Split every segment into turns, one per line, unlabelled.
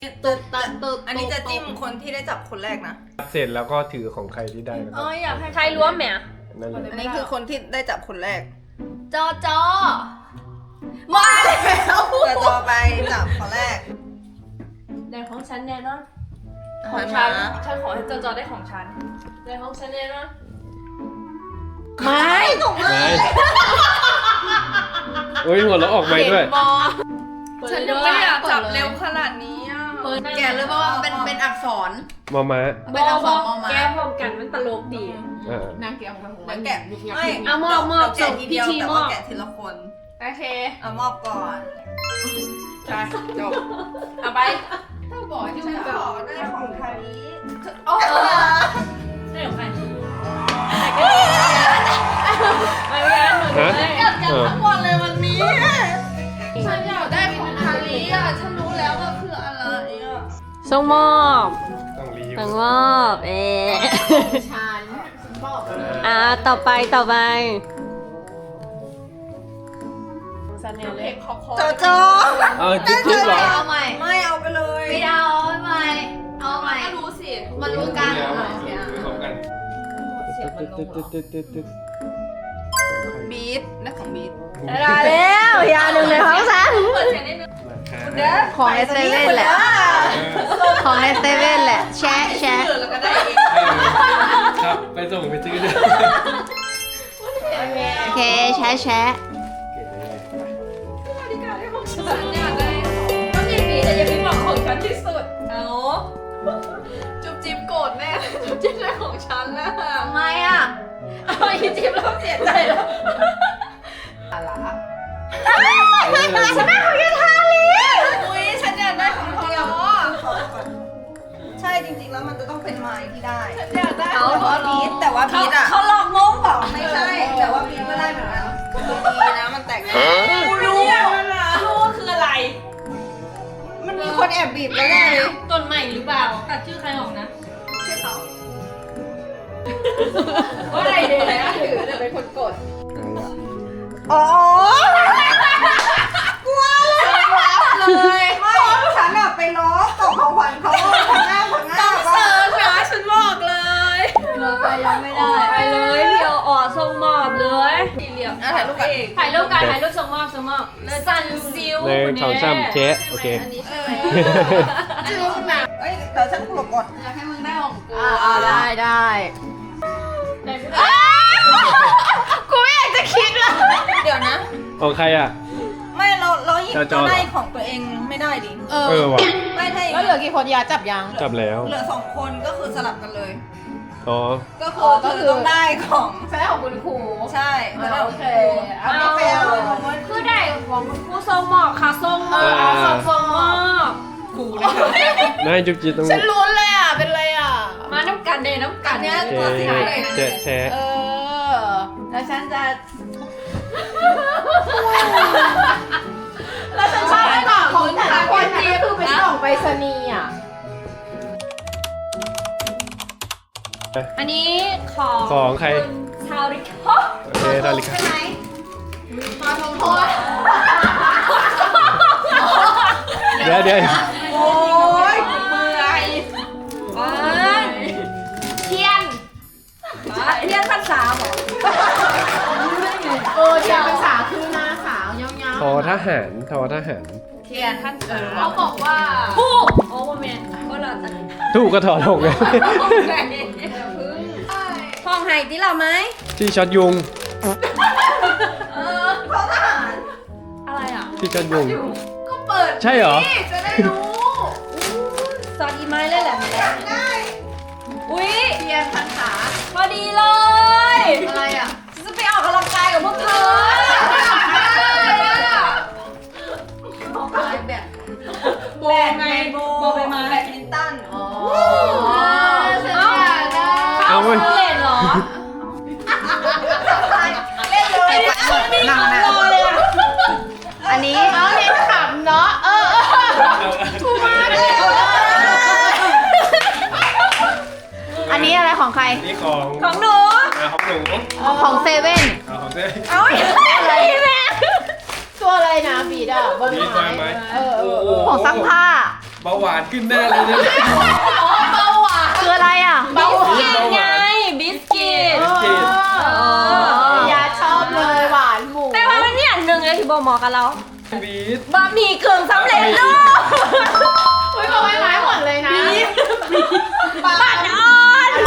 อันนี้จะจิ้มคนที่ได้จับคนแรกนะ
เสร็จแล้วก็ถือของใครที่ได้แล้วก็
อยากให้ใครล้วมแหม
นั่นแหละ
อันนี้คือคนที่ได้จับคนแรก
จอจอ
มาแล้วจะต่อไปจับคนแรก
ในของฉันแน่นอนข
หั
อง
น
ฉั
มาน
ฉันขอให้จอจอได้ของฉันในของฉันแน่นอน
ไม่ถูก
ไม่โอ้ยหัวเราะออกไปด้วย
ฉันยังไม่อยากจับเร็วขนาดนี้อ่ะแกเลยเพราะว่าเป็นอักษร
มอม้า
เป็นอักษรมอม้า
แก้พร้อมกันมันตลกดี
นางแกะของมันแกะไม่
เอามอบ
แกะทีเดียว
ส่งพิธี
แต่
ม
ว่า
อบ
แกะทีละคน
โอเค
เอามอบก่อนใช่จบ
เอาไป
ถ้าบอกที่ฉันขอได้ของใครโอ้
ได้ของใครไม่งั้นหนูเลย
อยากทั้งวันเลยวันนี้ฉันอยากได้ของคาริอ่ะฉันรู้แล้วว่าคืออะไรอ่ะ
ส่งมอบ
ต้องรีบ
ส่งมอบ
ฉันบอก
ต่อไปซันเนลเล็ก
โจโจ
เอาจิ๊บเหรอ
เอาใหม่ไม่เอาไปเลย
ไม่เอาใหม่เอาใหม่
ก็รู้สิ
มันรู้กัน
ของกัน
บีทนะของบีท
ได้แล้วยาหนึ่งเลยของฉัน
ของในเซเว่นแหละ ของในเซเว่นแหละ แชะแชะ
แล้วก็ได้เอง
ครับไปส่งไปซื้อด้วย
โอเคแชะแชะ
ฉันอยากได้ต้องยินดีแต่อย่าเพิ่งบอกของฉันที่สุดเอา
จุ๊บจิ๊บโกรธแน่จุ๊บจิ๊บได้ของฉันนะ
ทำไมอ่ะ
เอาอีจิ๊บแล้วเสียใจแล้ว
อะไร
ฉันได้ของยูทาลี
อุ้ยฉันอยากได้ของทอยอใช่จริงๆแล้วมันจะต้องเป็นไม้ที่ได้ฉันอยากได้ของบีทแต่ว่าบีทอ่ะ
เขาหลอกงงเปล่า
ไม่ใช่แต่ว่าบีทก็ได้เหมือนกันดีนะมันแตกได้
กูรู้ว่าคืออะไร
มันมีคนแอบบีบแล้วแน่เลย
ต้นใหม่หรือเปล่าตัดชื่อใครออกนะ
ชื่อเขา
ว่าอะไรเดี๋ยวนะ
ถือแต่เป็นคนกดอ๋อ กลัวเลยไม่ฉันอะไปล้อตกของขวัญเขาผังหน้าต้องเซิร์ฟนะฉันบอกเลย
เราไปยังไม่ได้
ไปเลยเดี๋ยวส่งมอบเลยสี่เหลี่ยม
ถ่ายรูปกัน
ถ่ายรูปกันถ่ายรูปส่งมอบซันซิล
ในสองซ้ำเจ๊โอเค
จื้อหนักเอ้ยเดี๋ยวฉันกดกด
อยากให้มึงได้ของกู
ได้ได้
กูไม่อยากจะคิดเลย
เดี๋ยวนะ
ของใครอ่ะ
ไม่เราหยิบ
จอ
ได้ของตัวเองไม่ได้ดิ
ว่ะ
ไม่ถ้า
แล้วเหลือกี่คนยาจับยัง
จับแล้ว
เหลือ2 คนก็คือสลับกันเลย
อ๋อ
ก็คือเธอต้องได้ของ
ใช่ของคุณครู
ใช่จะได้
โอเค
เอาไม่ไปเอา
คือได้ของผู้ส่งมอบค่ะส่งมอบส่งมอบ
ครูนะคะ
นายจุ๊บจิ๊บต้อง
ฉันลุ้นเลยอ่ะ เป็นไรอ่ะ
มาน้ำกันเดน้ำกัน
เนี้ย
เจ๊
ตัวสีอะไร
เจ๊แท้
แล้วฉันจะ
แล้วฉันชอบให้กล่อง
ของแต่ละคนน่ะก็คือเป็นกล่องไปรษณีย์อ่ะ
อันนี้ของ
ของใคร
ณชาวริค
โอเคทาริกา
มาทงโทษ
เดี๋ยว
โอ้ยเมื่อย
เทียนเทียนขั้นสามเหรอ
เทียนภาษาคือหน้าขาวยาว
ทอทหารทอทหาร
เทียนขั้นสาม
ๆเขาบอกว่า
ผู้โอ้โหแมนก็เราจะ
ถูกก็ถอดลงเลย
ห้องไห้ที่เราไหม
ที่ช็อตยุง
เขาทหาร
อะไรอ่ะ
ที่ช็อตยุง
ก็เปิด
ใช่เหรอ
นี่จะได้รู้
ซอสอีไม้เลยแหละ
ได้
อุ้ย
เทียนพันขา
พอดีเลย
อะไรอ่ะ
จะไปออกกำลังกายกับพวกเธอ
แบบ
โบไงโบไปมา
แบดมินตัน
อ๋อ
ฉันอยากได้
เอาเว้ย
เล่นเหรอ
เล่นเลยหนังนะ
อันนี้
เอาเล่นขำเนาะ
อันนี้อะไรของใคร
นี่ของ
ของหนู
ของหนู
ของเซเว่น
ของเจ๊
เอาอะไรแม่
ตัวอะไรนะบีดอ่ะบน
นี่
ไม้
ไม้
ของซักผ้า
เบาหวานขึ้นแน่เลยเนี่ย
เบาหวาน
คืออะไรอ่ะ
เบาหวานไงบิสกิต
ผิด
ยาชอบเลยหวานหมู
แต่ว่ามันมีอันหนึ่งเลยที่บอกหมอกับเรา
บีท
บะหมี่กึ่งสำเร็จรูป
อุ้ยเอาไว้ไม้หมดเลยนะปัดอ่อน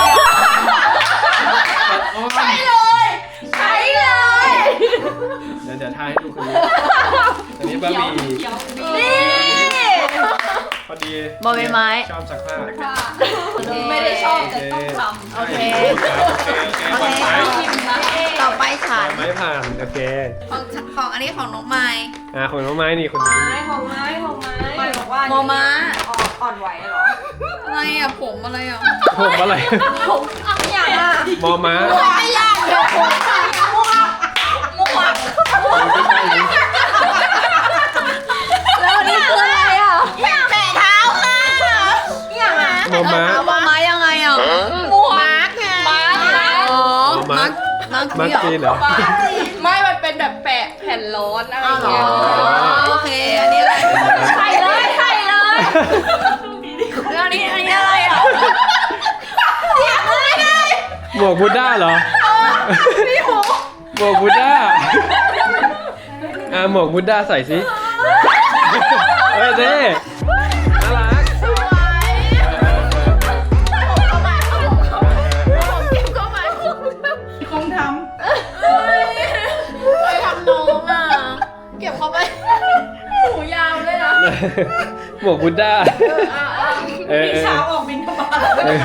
ใช่
เลยใช้เลย
เดี๋ยวทายให้ดูคนนี้อันนี้บะหมี่
นี่
พอดี
บอใบไม้
ชอบซักผ้า
ไม่ได้ชอบแต่ต้องทำ
โอเค
ครับโอเค
ต่อไปฉัน
ไม่ผ่านโอเค
ของอันนี้ของน้องไม้
ของน้องไม้นี่คนนี้
ของไม้ไม่บอกว่า
มอม้า
อ่อนไหวเหรอ
อะไรอ่ะผมอะไรอ่ะ
ผมอะไร
ผมอย่างอ่ะ
มอม้า
ไม่ยากเลยผมแล้ววันนี้คืออะไรอ่ะ
แปะเท้าค่ะ
อย่างอ่ะ
มอม้า
มอม้ายังไงอ่ะ
มาร์กไง
อ๋อ
มาร์ค
มัก
มาร์คจีนเหรอ
ไม่มันเป็นแบบแปะแผ่นร้อนอะไรอย่างเงี้ย
โอเค อันนี้อะไร
ใส่เลยใส่เลย
แล้วอันนี้อะไรอ่ะ
หมวกบูด้าเหรอหมวกบูด้าหมวกบูด้าใส่สิเฮ้ยเด้น่ารัก
คงท
ไปทำน้องอ่ะ เก็บเข้าไป
หูยาวเลยนะ
หมวกบูด้า
ำเช้าออกบินทบาท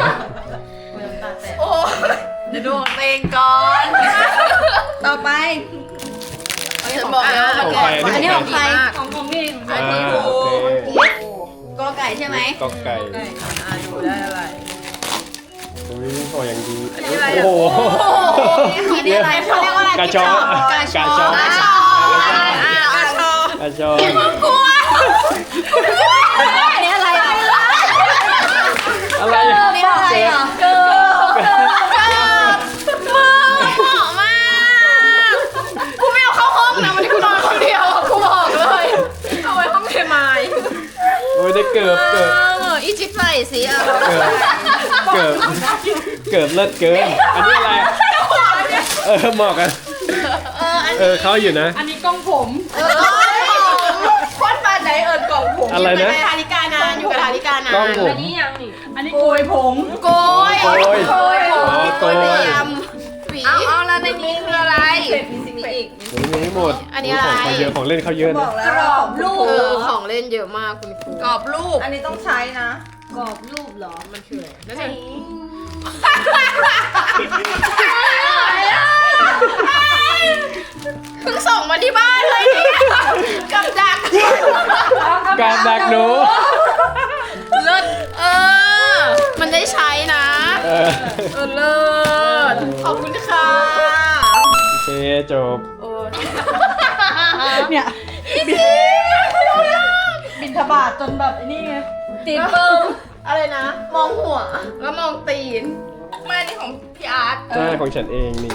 โอ้เดี๋ยวดูของตัวเองก่อน ต่อไปฉันบอกแล้ว
ของใคร
อันนี้ของใคร
ของนี่
โอเค
กอไก่ใช่ไหม
กอกไก่
ดูได้อะไร
อุ้ยพออย่างดี
อะไร
โอ้โห
อันนี้อะไรเขาเรียกว่าอะไร
กาชอนกาชอน
กาชอน
กาชอน
อันนี้อะไรอ่ะ
อะไร
อันนี้อะไรอ่ะ
เกิร์
มึงเหมาะมากกูไม่เอาเข้าห้องนะวันนี้กูนอนคนเดียวกูบอกเลย
เอาไว้ห้องเทมาย
โอ้ยได้เกือบ
อีจิปใส่สิอ่ะ
เกือบเลิศเกิน อันนี้อะไรเหมาะกันเขาอยู่นะ
อันนี้กล้องผม
โคตรปานไหนเอิญกล่องผม
อะไรนะ
อยู่กับธาริกานานอยู่กับธาริกานาน
กล้องผม
อันนี้ยังนี่
อันนี้โกยผม
โกย
โกย
โกย
อ๋อโกย
เตรียมเอาแล้วในนี้คืออะไร
มีอีก
ยังไม่หมด
อันนี้อะไร
ของเยอะของเล่นเขาเยอะ
บ
นะ
อกแล้ว
กรอบรูป
ของเล่นเยอะมากคุณครูกรอบรูป
อันนี้ต้องใช้นะ
กรอบรูปเหรอ
มันคืออะไรนั่นเอง เพิ่งส่งมาที่บ้านเลยเนี่ยกับดัก
การดักหนู
เลิศมันได้ใช้นะ เลิศขอบคุณค่ะ
โอเคจบ
เนี่ยบินทบาทจนแบบไอ้นี่ไง
ตีเปิ้ม
อะไรนะ มองหัว แล้วมองตีนไม่อันนี้ของพี่อาร์ต
ใช่ของฉันเองนี่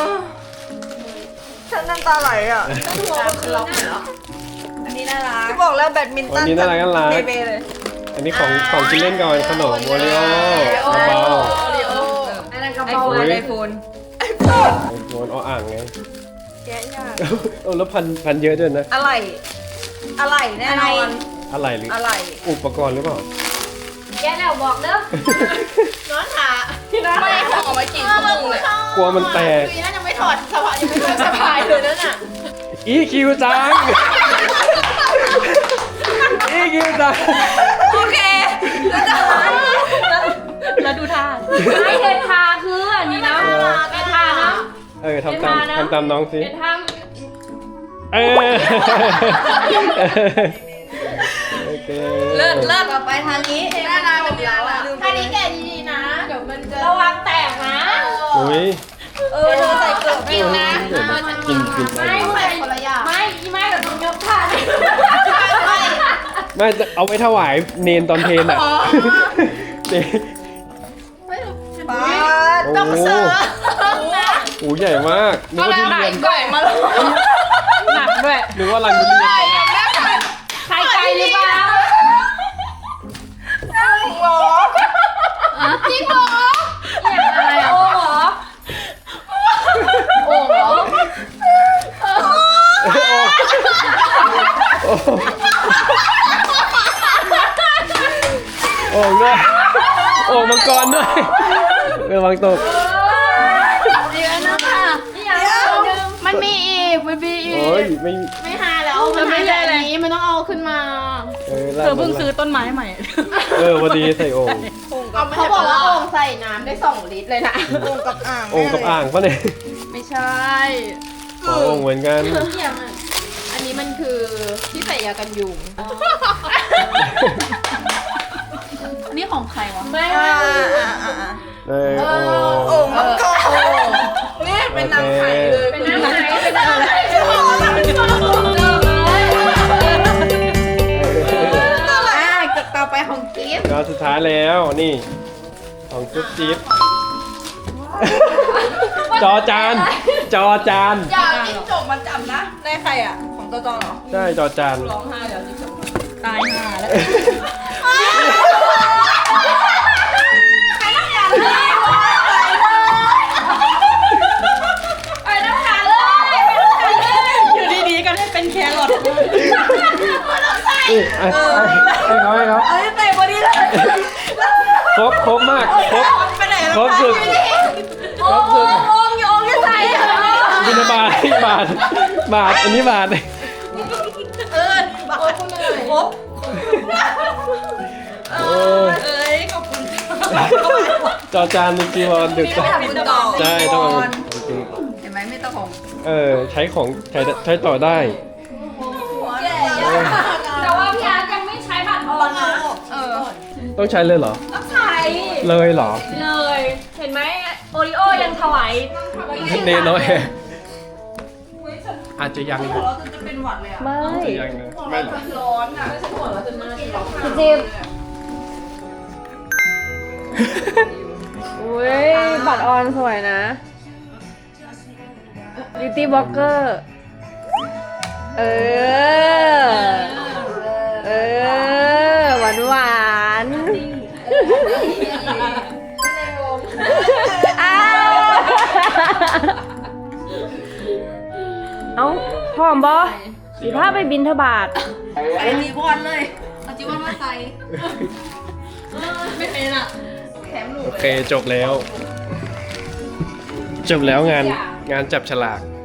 ฉันน้ำตาไหลอ่ะ
การคือล็อกเหรอ
อันนี้น่ารักที่บอกแล้วแบดมินตั
วัน
น
นี้น่ารัก
เบเบเลย
อันนี้ของกินเล่นก่อนขนมโอริโอเบา
อันนั้นกระ
ๆ
เป๋า
โอ้ย
ไอโฟน
ไอโฟนอ่างไง
แกะยาก
แล้วพันเยอะด้วยนะ
อะไรแน่นอน
อะไรหรือ
อะไร
อุปกรณ์หรือเปล่า
แกแล้วบอกเด้อ
น้องขาไม่ห่อมากี่ชั่วโมงเลย
กลัวมันแตก
คือนั่นยังไม่ถอดสบายยังไม่ถอดสบายเลยนั่นน่ะ
อีคิวจังอีคิวจัง
โอเค
แล้วดูท่าไอเทนทาคืออันนี้นะไอทานะ
ทำตามน้องสิ
ไอทา
โอเค
เลิศ
ต่อไปทางนี้
น่ารักเป็นแล้วอ่ะ
ท่านี้แกะ
ดีๆนะ เดี๋ยวมันจะ
ระวังแตกนะ
อุ้ย
เธอใส่เกลือ
กินนะ
กิน
ไม่
ใส่คนละอย่าง
ไม่ไม่แบบต้องยกท่า
ไม่จะเอาไว้ถวายเนนตอนเพลนอ่ะเนน
ปาด
โอ้โหโอ้ใหญ่มากนึกว่าทุเรียน
ก่อยมาเลยหนักด้วย
นึกว่ารังทุเรียน
ใครไกลหรือเปล่า
จริงเหรออะไรอ่ะ
โอ้เหรอ
โอ่งเหรอ
โอ่งด้วยโอ่งมังกรด้วยระวังตก
เดี๋ยวนะคะมันมีอีกมันมีอีก
โอ้ยไม่
ไม่หาแล้วมันไม่ใช่อันนี้มันต้องเอาขึ้นมา
เธอเพิ่งซื้อต้นไม้ใหม่พอดีใส่โอ่ง
เขาบอกว่าโอ่งใส่น้ำได้2 ลิตรเลยนะ
โอ่งกับอ่าง
โอ่งกับอ่างปะเนี่ย
ไม่ใช่
อ๋อโอ่งเหมือนกัน
เนี่ยมันอันนี้มันคือที่ใส่ยากันยุง
อันนี้ของใครวะ
ไม่
อ่า
โอ่ง
โอ่งมังกรนี่เป็นนางไข่เลย
เป็นน้ำไหนเป็นน้ำไหน
ต่อไปของกิฟต์
ก็สุดท้ายแล้วนี่ของจุ๊บจิ๊บจอจานจอจาน
อย่าจิ้งจกมันจับนะได้ใครอ่ะของตัวจอเหรอ
ใช่จอจาน
ร้องไห้เดี๋ยวจิ้งจกตายห่าแล้วไปน้ำขาเลยอยู่ดีๆก็ได้เป็นแครอท
ให้เขาให้เขา
เอ้ยเตะพอดีเลย
ครบมากครบ
ไปไหนแล้ว
ครบสุดครบสุด
โอ่งจะใส่เหรอ
บินบาทอันนี้บาท
บาทครบ
โอ้ย
เอ้ยขอบคุณ
จอจานจริงๆวันดึก
ไม่ทำบุญต่อ
ใช่ต้องเอาจริง
เห็นไหมไม่ต้องของ
ใช้ของใช้ต่อได้
แก่ยาก
แต่ว่าพี่อาร์ตยังไม่ใช้บัตรออนนะ
ต้องใช้เลยเหรอ
ต้องใช้
เลยเหรอ
เลย เห็นไหมโอริโอยังถวาย
เนน้อยอาจจะยังนะ
เราจะเป็นหวัดเลยอ่ะ
อาจจะยังนะไม่หรอก
ร้อนอ่ะ
จิบอุ้ยบัตรออนสวยนะ Beauty Blogger เออ หวานหวานอ้าวเอ้าพร้อมบอสีผ้าไปบินทบาท
ไอ้จีวอนเลย
เอาจิวันมาใส่ไม่เป็นอ่ะ
โอเคจบแล้ว งานจับฉลาก